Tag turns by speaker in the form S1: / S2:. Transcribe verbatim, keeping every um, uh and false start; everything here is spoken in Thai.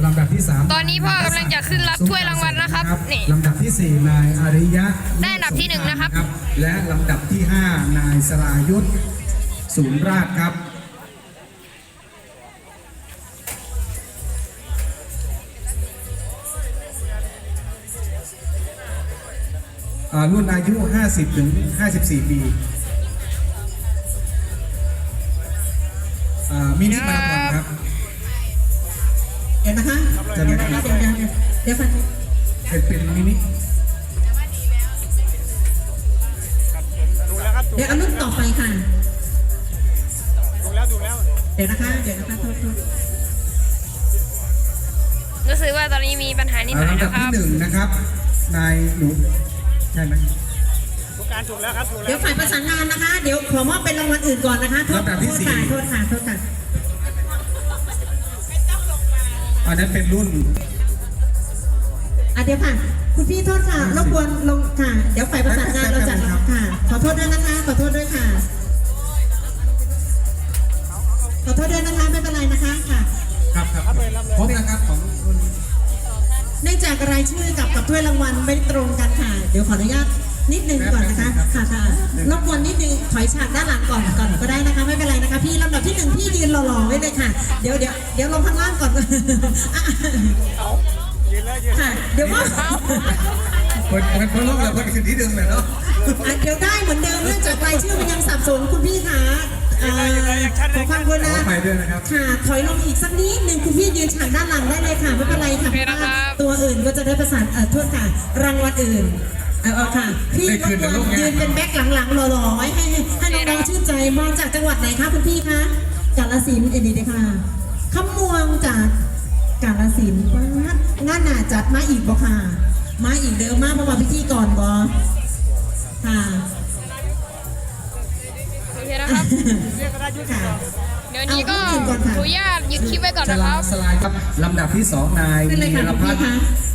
S1: ลำดับที่สาม
S2: ตอนนี้พ่อกำลังจะขึ้นรับถ้วยรางวัลนะครับนี่
S1: ลำดับที่สี่นายอาริยะ
S2: ได้อันดับที่หนึ่งนะครับ
S1: และลำดับที่ห้านายสรายุทธศูนย์ราชครับรุ่นอายุห้าสิบถึงห้าสิบสี่ปีมินิมาราธอนครับ
S3: เดี๋ยวนะคะเดี๋ยวเดี๋ยวเดี๋ยวเดี๋ยวเดี๋ยวฟัง
S1: เป็นเป็นมินิ
S3: เดี๋ยวเอารุ่นต่อไปค่ะ
S4: ดูแล้วดูแล้ว
S3: เดี๋ยวนะคะเดี๋ยวนะคะโทษโทษ
S2: รู้สึกว่าตอนนี้มีปัญหานิดหน่อยนะครับ
S1: ลำดับที่หนึ่งนะครับนายหนูใช่ไหม
S4: ทุกการถูกแล้วครับถูกแล้ว
S3: เดี๋ยวฝ่ายประสานงานนะคะเดี๋ยวขอมอบเป็นรางวัลอื่นก่อนนะคะโทษโทษค่ะโทษค่ะโทษค่ะ
S1: อันนั้นเป็นรุ่น
S3: อ่ะเดี๋ยวค่ะคุณพี่โทษค่ะรบกวนลงค่ะเดี๋ยวฝ่ายประสานงานเราจัดค่ะขอโทษด้วยนะคะขอโทษด้วยค่ะขอโทษด้วยนะคะไม่เป็นไรนะคะค่ะ
S1: ครับครับพบนะครับของคุณ
S3: เนื่องจากรายชื่อกับกับถ้วยรางวัลไม่ตรงกันค่ะเดี๋ยวขออนุญาตนิดนึงก่อนนะคะค่ะค่ะรบกวนนิดนึงถอยฉากด้านหลังก่อนก่อนก็ได้นะคะไม่เป็นไรนะคะพี่ลำดับที่หนึ่งพี่ยืนหล่อๆไว้เลยค่ะเดี๋ยวเดี๋ยวเดี๋ยวลงข้างล่างก่อนค่ะเดี๋ยวว่า
S1: คนคนคนลงแล้วคนคืนที่ดึงเลยเนาะ
S3: เดี๋ยวได้เหมือนเดิมเนื่องจากรายชื่อมันยังสับสนคุณพี่คะขอความกรุณา
S1: ไปด้วยนะครับ
S3: ค่ะถอยลงอีกสักนิดนึงคุณพี่ยืนฉากด้านหลังได้เลยค่ะไม่เป็นไรค่ะเพราะว่าตัวอื่นก็จะได้ประสานเอ่อโทษค่ะรางวัลอื่นเอาเอาค่ะพี่รบกวนยืนเป็นแบ็คหลังๆหล่อๆไว้ให้ให้น้องๆชื่นใจมาจากจังหวัดไหนคะคุณพี่คะกาฬสินธุ์เอ็นดีเลยค่ะขมวงจากกาฬสินธุ์งานหนาจัดมาอีกบ่ค่ะมาอีกเดิมมากเพราะว่าพิธีก่อนบ่ค่ะ
S2: โอเคนะครับเดี๋ยวนี้ก็ขออนุญาตหยุดคลิปไว้ก่อนนะครับ
S1: สลายครับลำดับที่สองนายวีรพัฒน์